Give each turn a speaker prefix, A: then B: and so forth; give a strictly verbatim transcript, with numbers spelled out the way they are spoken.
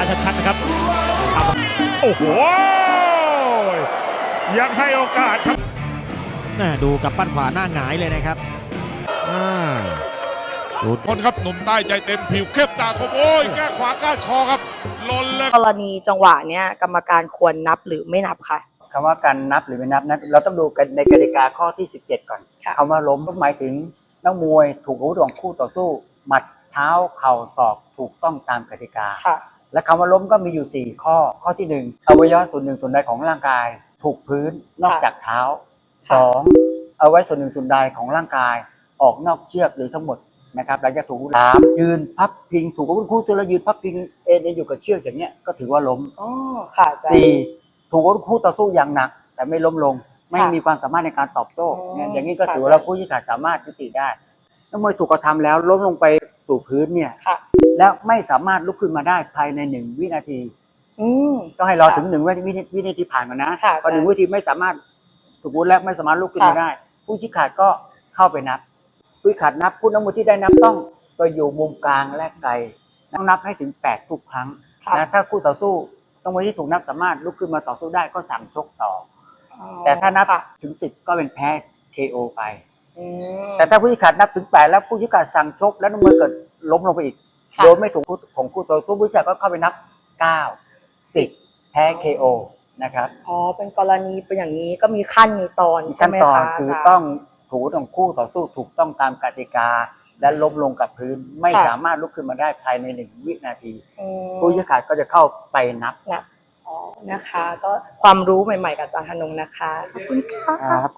A: ชัดๆนะครับโอ้โหยังให้โอกาสครับ
B: ดูกับปั้นขวาหน้าหงายเลยนะครับ
C: ดูคนครับหนุ่มใต้ใจเต็มผิวเข้มตาคมโอ้ยแก้ขวาก้านคอครับลนเลย
D: กรณีจังหวะเนี้ยกรรมการควรนับหรือไม่นับคะ
E: คำว่าการนับหรือไม่นับนะเราต้องดูกันในกติกาข้อที่สิบเจ็ดก่อนคำว่าล้มก็หมายถึงนักมวยถูกอาวุธของคู่ต่อสู้หมัดเท้าเข่าศอกถูกต้องตามกติกาและคำว่าล้มก็มีอยู่สี่ข้อข้อที่หนึ่งอวัยวะส่วนหนึ่งส่วนใดของร่างกายถูกพื้นนอกจากเท้าสองเอาไว้ส่วนหนึ่งส่วนใดของร่างกายออกนอกเชือกหรือทั้งหมดนะครับหลังจากถูกสามยืนพับพิงถูกอาวุธคู่สู้แล้วยืนพับพิงเอ็นอยู่กับเชือกอย่างเงี้ยก็ถือว่าล้ม
D: อ๋อค่ะ
E: สี่ถูกอาวุธคู่ต่อสู้อย่างหนักแต่ไม่ล้มลงไม่มีความสามารถในการตอบโต้เนี่ยอย่างนี้ก็ถือว่าเราผู้ชี้ขาดสามารถยุติได้นักมวยถูกกระทำแล้วล้มลงไปสู่พื้นเนี่ยแล้วไม่สามารถลุกขึ้นมาได้ภายในหนึ่งวินาทีต้องให้รอถึงหนึ่งวินาทีผ่านมานะพอหนึ่งวินาทีไม่สามารถถูกอาวุธแล้วไม่สามารถลุกขึ้นมาได้ผู้ชี้ขาดก็เข้าไปนับผู้ชี้ขาดนับผู้นักมวยที่ได้นับต้องไปอยู่มุมกลางและไกลต้องนับให้ถึงแปดทุกครั้งนะถ้าคู่ต่อสู้นักมวยที่ถูกนับสามารถลุกขึ้นมาต่อสู้ได้ก็สั่งชกต่อแต่ถ้านับถึงสิบก็เป็นแพ้ เค โอ ไปแต่ถ้าผู้ชี้ขาดนับถึงแปดแล้วผู้ชี้ขาดสั่งชกแล้วนักมวยเกิดล้มลงไปอีกโดยไม่ถูกของคู่ต่อสู้ผู้ชี้ขาดก็เข้าไปนับเก้า สิบแพ้ เค โอ นะครับ
D: อ๋อเป็นกรณีเป็นอย่างนี้ก็มีขั้นมีตอนใช่ไหมคะ
E: คือต้องถูกของคู่ต่อสู้ถูกต้องตามกติกาและล้มลงกับพื้นไม่สามารถลุกขึ้นมาได้ภายในหนึ่งวินาทีผู้ชี้ขาดก็จะเข้าไปนับ
D: อ๋อนะคะก็ความรู้ใหม่ๆกับอาจารย์ธนงนะคะขอบคุณค่ะ